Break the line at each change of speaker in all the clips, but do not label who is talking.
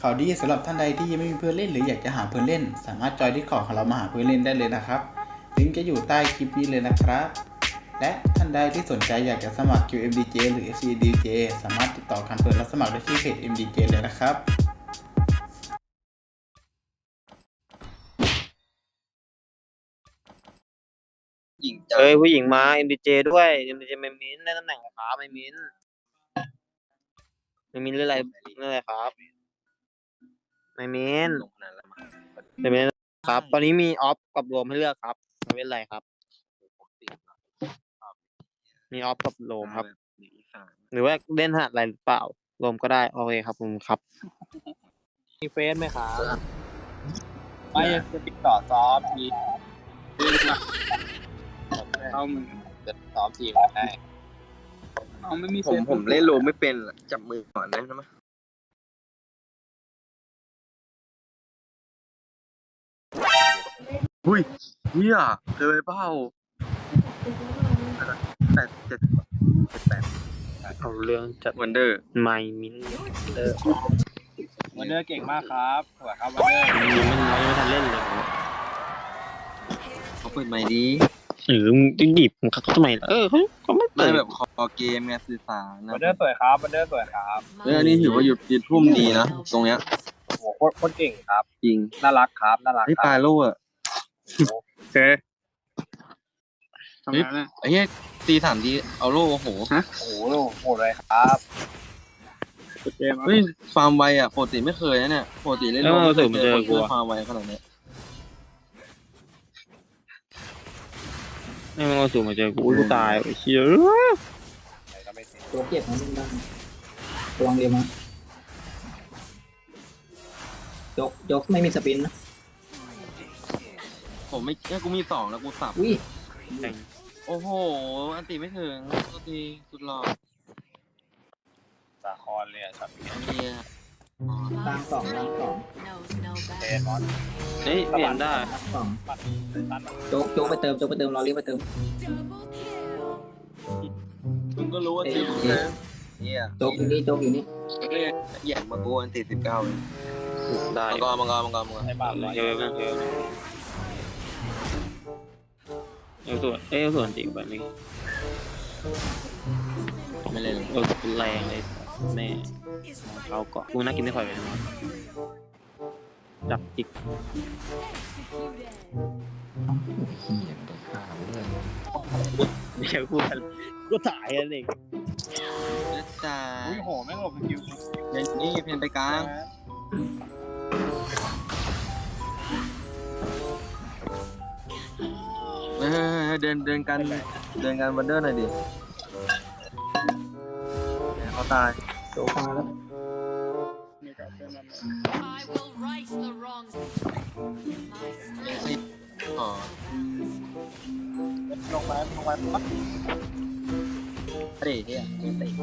ข่าวดีสำหรับท่านใดที่ยังไม่มีเพื่อนเล่นหรืออยากจะหาเพื่อนเล่นสามารถจอยDiscordของเรามาหาเพื่อนเล่นได้เลยนะครับลิงก์จะอยู่ใต้คลิปนี้เลยนะครับและท่านใดที่สนใจอยากจะสมัคร QMDJ หรือ FCDJ สามารถติดต่อการเปิดรับสมัครได้ที่เพจ MDJ เลยนะครับ
หญิงเอ้ยผู้หญิงมา MDJ ด้วย MDJ ไม่มิ้นได้ตำแหน่งอะไรครับไม่มิ้นเรื่องอะไรครับไม่มิ้นไม่มิ้นครับตอนนี้มีออฟกับโรมให้เลือกครับไม่เป็นไรครับมีออฟกับโรมครับหรือว่าเล่นหาอะไรหรือเปล่าโรมก็ได้โอเคครับผมครับมีเฟซไหมครับไม่จะติดต่อซ้อมทีเข้ามึงจะซ้อมทีมได้ไม่มีผมเล่นโรมไม่เป็นจับมือก่อนนะมั้ยหุ้ยเฮียเจอเปล่า8 เอาเรื่องจัดวันเดอร์ไมมินวันเดอร์เก่งมากครับสวัสดีครับวันเดอร์ยังไม่ทันเล่นเลยเขาเปิดไมค์ดีมึงจะหยิบมึงเขาทำไมเขาไม่เปิดแบบคอเกมไงสื่อสารนะวันเดอร์สวยครับวันเดอร์สวยครับอันนี้ถือว่าหยุดทุ่มดีนะตรงเนี้ยโหโคตรเก่งครับจริงน่ารักครับน่ารักปลาโล่อะเจ๊ทำไมเนี่ยไอ้เหี้ยตี3 ทีเอาโล่โอ้โหโอ้โหโหดเลยครับเฮ้ยฟาร์มไวอ่ะปกติไม่เคยนะเนี่ยปกติเล่นโล่ไม่เคยเจอคนฟาร์มไวขนาดนี้ไม่มาสู่มาเจอกูตายไอ้เชี่ย
ตัวเก็บมันบ้างตัวเรียมายกไม่มีสปินนะ
ผมไม่กูมี2แล้วกูสับโอ้โหอันตีไม่ถึงตัวทีสุดหล่อสาครเลยอ่ะช็อตนี้
ล่างสอง
เล่นเล่นได้
สองโจ๊กไปเติมรอเรียกไปเติม
มึงก็รู้ว่าทีมเนี่ย
โจ๊กอยู่นี่
แย่งมากูอันตี19เลยได้มังกรให้บ้านเยอะส่วนจริงไปไม่เล่นแรงเลยแม่เราเกาะกูน่ากินได้ค่อยไปนะจับจิกไม่ใช่พูดก็ถ่ายอะไรจ่าอุ้ยโหแม่งหลบคิวนี่เพนไปกลางเดินกันวันเดอร์หน่อยดิเขาตาย
โจ๊กมาแล้ว
อ๋อลงมาปั๊บเตะเนี่ยเตะ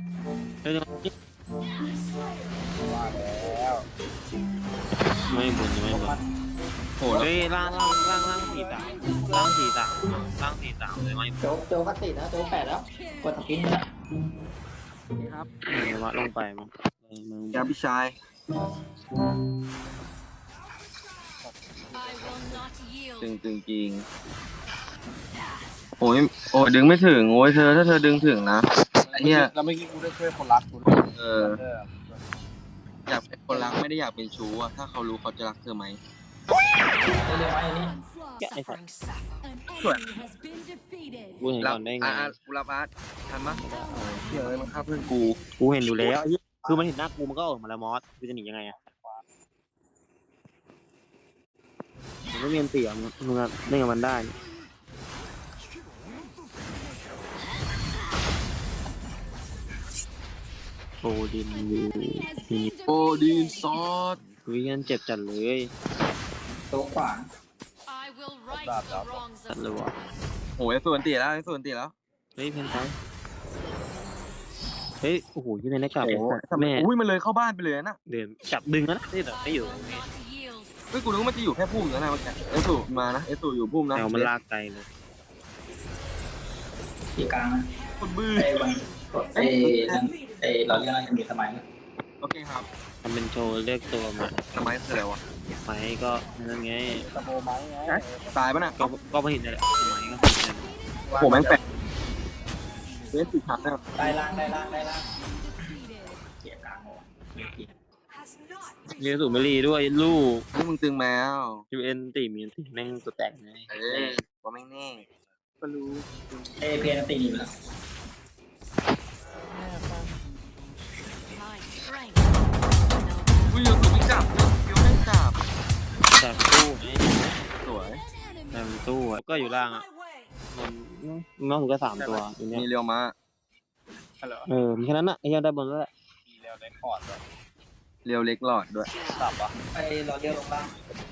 ว่าแล้วไม่บุญโหเฮ้ยล่าง43เลยไหม
โจ๊กก็ติดนะโจ๊ก8แล้วกดสปินนะ
นี่ครับวัดลงไปมั้งยาพี่ชายจริงโอ้ยดึงไม่ถึงโอ้ยเธอถ้าเธอดึงถึงนะเนี่ยแล้วเมื่อกี้กูได้ช่วยคนรักกูอยากเป็นคนรักไม่ได้อยากเป็นชู้อะถ้าเขารู้เขาจะรักเธอไหม
เรียกไว้อันนี้
ส่วนกูเห็นก่อนได้ไงกูรับอาร์ตทันมั้ยเชื่อเลยมันฆ่าเพื่อนกูเห็นอยู่แล้วคือมันเห็นหน้ากูมันก็ออกมาแล้วมอสกูจะหนียังไงอะมันก็เรียนเสียมึงเล่นกับมันได้โอดินซอสวิกันเจ็บจัดเลย
โต๊ะขวา
จัดเลยวะโอ้ยส่วนตีแล้วเฮ้ยเพนไซเฮ้ยโอ้โหยังไงนะกลับแม่อุ้ยมันเลยเข้าบ้านไปเลยนะเดินจับดึงนะนี่เหรอไม่อยู่เฮ้ยกูนึกว่ามันจะอยู่แค่พุ่มนะเมื่อกี้สูมานะสูอยู่พุ่มนะแต่มันลากไกลเลย
ที่กลางนะ
คนบื้อ
เราเรียกอะไรมีสมัย
โอเคครับ
ทำเป็นโชว์เรียกตัวมา
ทำไมคืออะไรวะ
ไหมก็นั่นไง
ตายปะน่ะ
ก็ไม่เห็นเลยไหมก็เห็นเลย
ผมแม่งแปลกเวสติดทับนะครับ
ได้ล่างเกียร์กลางหมด
เรียนสูบไม่รีด้วยลูก
นี่มึงตึงแมว
ยูเอ็นตีมีนตีแม่งตัวแตกไง
ว่าไม่แน่
เพียนตีนี่ไปแล้ว
อุ้ยยังไม่จับยังไม่จับ
แต่ตู้ไง
สวย
แต่ตู้ก็อยู่ล่างอ่ะมันน้องถึงก็3 ตัวอยู่เนี่ย
มีเรียวมา
มีแค่นั้นอ่ะไอ้ยังได้บนแล้วแหละ
เรียวเล็กหลอดด้วย
ไปรอเลี้ยวลงล่าง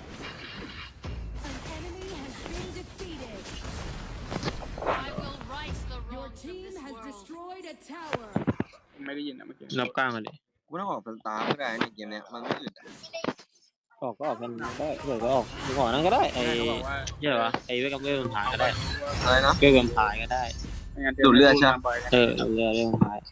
Your team has destroyed a tower.
นับกลางกันดิ
กูต้องออกเป็นตาไม่ได้ในเกมเนี้ยมันไม่อึด
ออกก็ออกกันได้เดี๋ยวก็ออกก่อนนั้นก็ได้ไอ้เหี้ยอะไรวะไอ้เวกับเวลถ่ายก็ได้
อะไรนะ
เวลถ่ายก็ได้
ดูดเลือดใช่ไหม
เรื่องถ่าย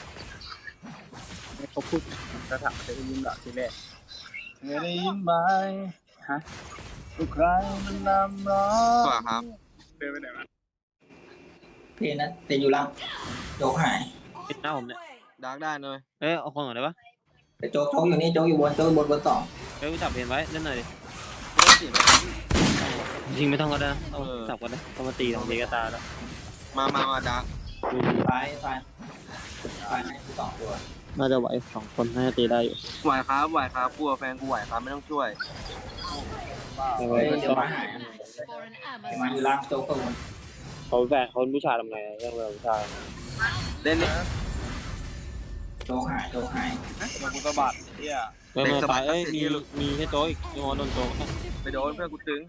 เขาพูดจะถามจะได้ยินเหรอทีแรกไม่ได้ยินไหมฮะทุกครั้งมันนำร้อ
สวยครับ
เดินไปไหนมา
เพียนนั้นตีอยู่ล่างโจ๊กหาย
ปิดหน้าผมเนี่ย
ดาร์กได้เลย
เอาคนก่อนได้ปะ
แต่โจ๊กอยู่นี่โจ๊กอยู่บนบนสอง
จับเห็นไว้เล่นหน่อยดิ
ไม่ต้องจีบ
จริงไม่ต้องก็ได้เอาจับก็ได้ต้องมาตี2 ทีก็ตายแล้ว
มาดาร์ก
ซ้ายให้2 ตัว
น่าจะไหว2 คนน่าจะตีได้อยู่
ไหวครับกลัวแฟนกูไหวครับไม่ต้องช่วย
เดี๋ยวมาหายมาอยู่ล่างโจ๊กตัวบน
เขาแฟนเขาผู้ชายทำไงเรื่องผู้ชาย
เล่นนี่
โจ๊กหาย
มันกูสะบัดเที่ย
ไม่ตายมีแค่โจ๊กอีกโดนโจ๊ก
ไปโดนเพื่อนกูตึง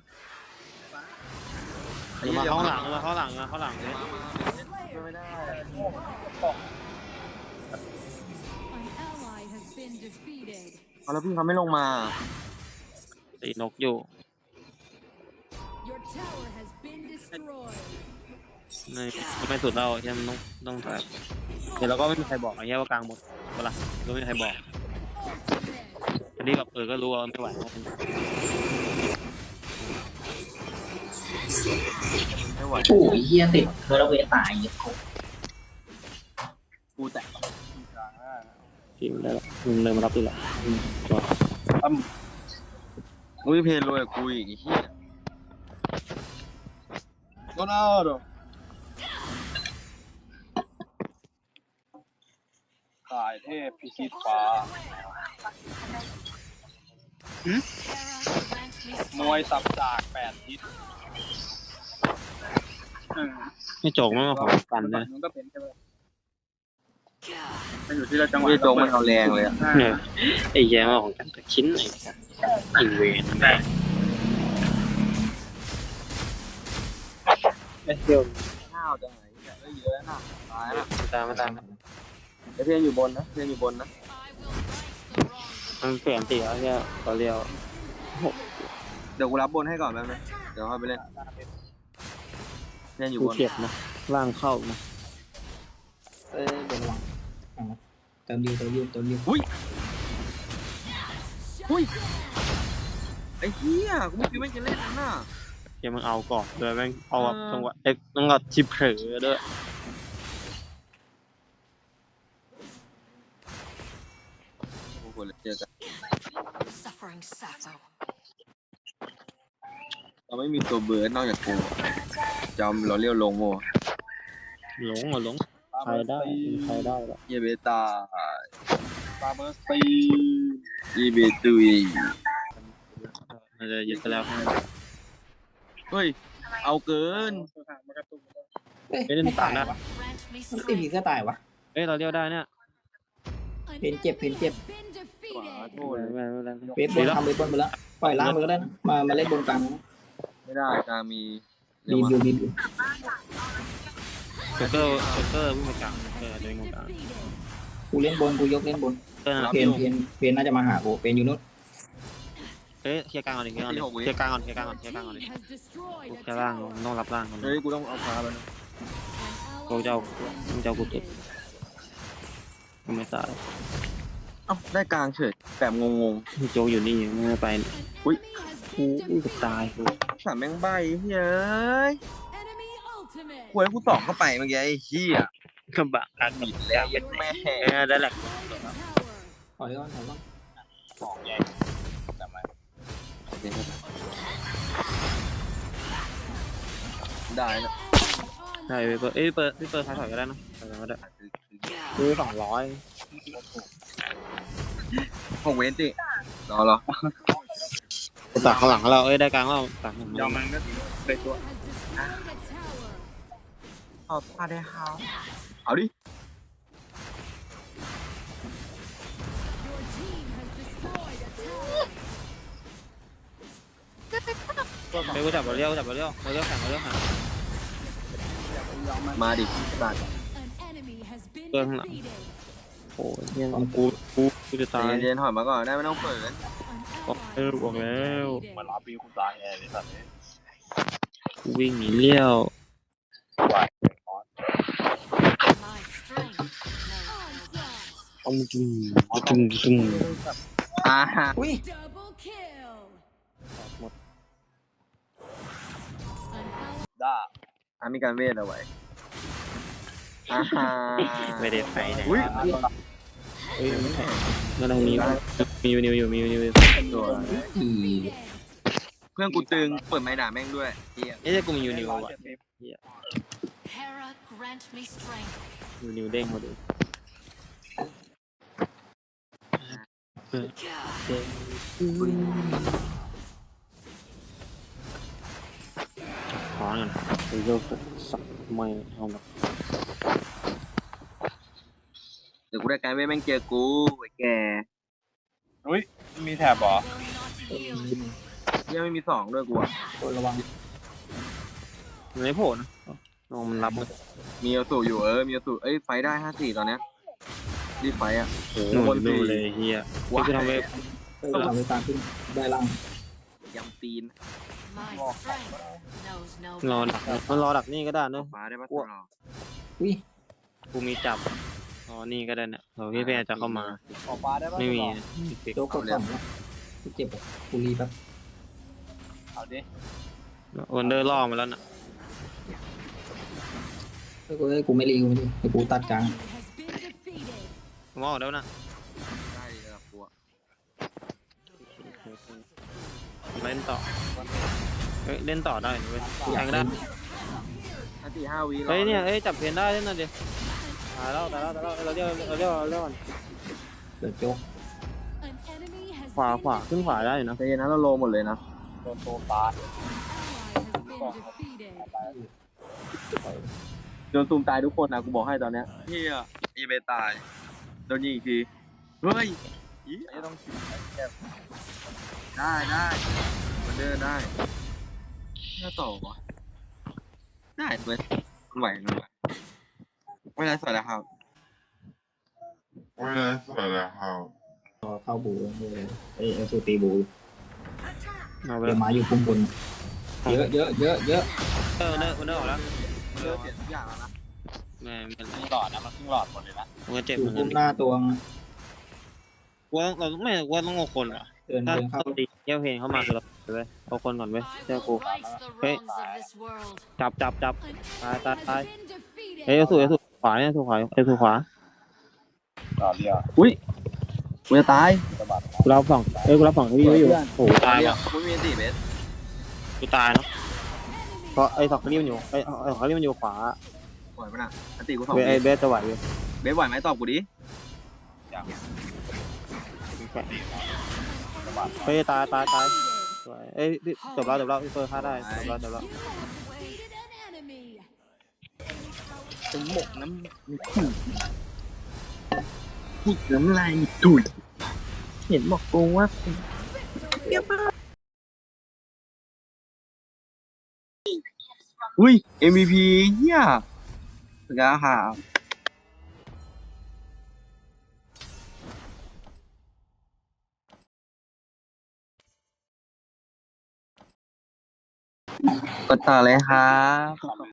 มาเข้าหลังเลย
ไม่ได้
An ally has been defeated.
เอาแล้วพี่เขาไม่ลงมา
ตีนกอยู่
Your tower has been destroyed.
ไม่สุดเราใช่ไหมต้องถ่ายเดี๋ยวเราก็ไม่มีใครบอกไอ้เงี้ยว่ากลางหมดเวลาก็ไม่มีใครบอกอันนี้แบบก็รู้ว่าไม่ไหว
ไม่ไหว
โอ้ยเฮียติดเธอระเวตายเนี่ย
กูแตก
ทีมได้แล้วเลยมารับตีละ
อุ้ยเพลรวยกูอีกไอ้เหี้ย
โดนเอาดสายเทพพิชิตฟ้ามวยสับจาก8 ทิศ
ไม่โจกไม่มาของกันเลย
มันก็เป็นใช่ไหมมันอยู่ที่เราจังหวะ
พี่โจงมันเอาแรงเลยอะ
ไอ้แย่มาของกันแต่ชิ้นไหนอินเวนแม่เดี๋ยว
ข้าวจังไหนเนี่ยเยอะนะตายละ
มาตาม
แต่เพื่อนอยู่บนนะ
มันเปลี่ยนตีแล้วเนี่ยต่อเรียว
เดี๋ยวกูรับบนให้ก่อนแป๊บนึงเดี๋ยวค่อยไปเล่นเล่นอยู่
กู
บน
เจ็บนะล่างเข้านะ
เดี๋ยวระวังเติมดิว
อุ้ยไอ้เหี้ยกูไม่คิดว่าจะเล่นนั่นน่ะ
เดี๋ยวมึงเอาก่อนเลยแม่งเอาแบบจังหวะต้องกับชิปเผลอด้วย
โอ้โหเจอกัน
Suffering Sappho.
เราไม่มีตัวเบิร์ดนอกจากกูจอมเราเรียวลงโม
หลงใครได้ละ
เยเบตา
ปาเบอร์ซี
อีเบตุย
มันจะยึดไปแล้ว
เฮ้ยเอาเกิน
ไม่เล่นตามนะ
Grant me
มันตีผี
strength.
ก็ตายวะ
เราเรียวได้เนี่ย
An
Pin chip,
enemy
pin chip.
has been
ขวา
defeated.
โทษเลย
เวทบนทำเวทบนไปแล้วปล่อยล่างไปก็ได้นะมาเล่นบนกลาง
ไม่ได้กลางมีเรี
รี
ยว
วิว
เกอร์วิ่งมากลางเดินกลาง
Defeated.
กูเล่นบนกูยกเล่นบน
นะ
เพนน่าจะมาหากูเพนอยู่นู้น
เคลียร์กลางก่อนเคลียร์กลางก่อน
Your team has destroyed
แค่
a
ล่าง
tower.
ต้องรับล่างก่อน
เฮ้ยกูต้องเอาพาไปนะ
An
กู
ally
เจ้ากูติดไม่ตาย
เอ้าได้กลางเฉยแบบงง
โจอยู่นี่ไม่ไป
อุ๊ย
อู้กับตาย
ๆสามแม่งใบเฮ้ย
Enemy ultimate.
หวยกูสองเข้าไปเมื่อกี้ไอ้เหี้ย
กระบะกัน
บิดแล้วยัดแม่
ได้แหละ
ถอยก่อนถอยก่อน
ของใหญ่จำไว้
ได้นะ
ใช่เปิดพี่เปิดท้ายถอยก็ได้นะถอยก็ได้ซื้อ200
ของเวนจิรอ
ตักข้างหลังเราได้กลางเราตัก
ยอมมันก็ได้ตัว
Has destroyed a tower.
เอาพาได้ฮาวเอาดิ
Your team has destroyed a tower.
ไปกูจับเราเลี้ยวเราเลี้ยวแข่ง
มาดิสัตว์
An enemy has been
Vâng ạ.
defeated.
โอ้ยยังกูจะตาย
เย็นๆถอยมาก่อนได้ไม่ต้องเปิด
An ally
บอกแล้ว
มารับปีกูตายแน่เลยสัตว์เนี่ย
กูวิ่งหนีเลี้ยว
My strength. Onslaught.
เอาจุ่ม
อ่าฮะ
อุ้ย
Double kill.
หมด
An ally
ด้า
มีการเวทเอาไว้อ่าฮะ
ไม่ได้ไปไหน
อุ้ย
เฮ้ยไม่แข่งนั่นเรามีนิวอยู่
ตัว
defeated.
เพื่อนกูตึงเปิดไม้ด่าแม่งด้วยเหี้ย
เอ๊ะกูมีนิวว่ะ
Hera, grant me strength.
นิวเด้งมาดูขอหน่อยไปโยกสักไม่เอาแบบ
เดี๋ยวกูได้การเวทแม่งเจอกูไอ้แก
อุ้ยมีแถบเหรอ
Will not yield.
ยังไม่มีสองด้วยกูอะ
ตัวระวัง
มันไม่โผล่นะมันรับ
มีเอาสูอยู่มีเอาสูไฟได้54ตอนเนี้ยรีบไฟอ่ะ
หนูดูเลยเฮีย
ว้า
พี่ทำเว็บ
ทำไปตามขึ้นได้ล่าง
ยำตีน
My strength knows no
รอดักมันรอดักนี่ก็ได้เนอะ
ฟ้าได้ปะ
อุ้ย
กูมีจับอ๋อนี่ก็ได้เนี่ยเดี๋ยวพี่แพรจะเข้ามา
ขอฟ้าได้ปะ
ไม่มี
โจ๊กกดสองแล้วกูเจ็บอ่ะกูรีแป๊บ
เอาดิ
วันเดอร์ล่อมาแล้วน่ะ
กูไม่รีกูไม่รีเดี๋ยวกูตัดกลาง
has been defeated.
มองแล้วนะ
ได้เลยละกูอะ
เล่นต่อเฮ้ยเล่นต่อได้เว้ยแทงได้
5 วิ
เฮ้ยเนี่ยเฮ้ยจับเพนได้เล่นหน่อยดิตายแล้วเราเรียกก่อน
เดี๋ยวโจ๊ก
An enemy has
ขวาขึ้นขวาได้อยู่นะ
ใจเย็นนะเราโลหมดเลยนะ
โดนโตตาย
ally has been defeated.
โดนตูมตายทุกคนนะกูบอกให้ตอนเนี้ยเฮียอีเบตายโดนยิงอีกทีเฮ้ย
ไอ้ต้องฉีด
ได้มันเดินได้น่าต่อวะได้เว้ยมันไหวไม่ได้สวยแล้วครับ
เข้าบูเอ้สูตีบู
เอาไป
เดี๋ยวมาอยู่ปุ่มบนเยอะ
วันเดอร์ออกแล้ว
เลิกเปลี่ยนทุกอย่างแล้วนะ
ไม่เป็นไร
ครึ่งหลอดนะมันครึ่งหลอดหมดเลยนะ
มันเจ็บ
อยู่
เหมือน
ปุ่
กัน
มหน้าตัว
ว่าเราไม่ว่าต้องเอาคนว่ะ
เดิน
ถ้า
เข้า
ตีเยี่ยวเพนเข้ามาคือเราเว้ยเอาคนก่อนเว้ยเจ้ากู
Rights the
Hey.
wrongs of this world.
จับ
An
ตาย
ally has been defeated.
เฮ้ยเอาสู่ขวาเนี่ยสู่ขวา
ต่อเรียว
อุ้ยกูจะตาย
สะบัด
กูรับฝั่งกูรับฝั่งที่ไม่อยู่โอ้โหตาย
เนี่ย
ว่ะ
กูไม่มีตีเบส
กูตายเนาะเพราะไอ้สองคนนี้มันอยู่ไอ้สองคนนี้มันอยู่ขวา
ไหวปะน่ะอันตีกูสอง
ไอ้เบสจะไหวอยู่
เบสไหวไหมตอบกูดิ
เฮ้ยตายสวยเอ้ยจบแล้วพี่เฟิร์สฆ่าได้จบแล้ว
You have defeated an enemy.
จะหมกน้ำพูดน้ำลายถุยเห็นบอกกูว่าอุ้ย MVP เฮียสกาหาก็ต่อเลยครับ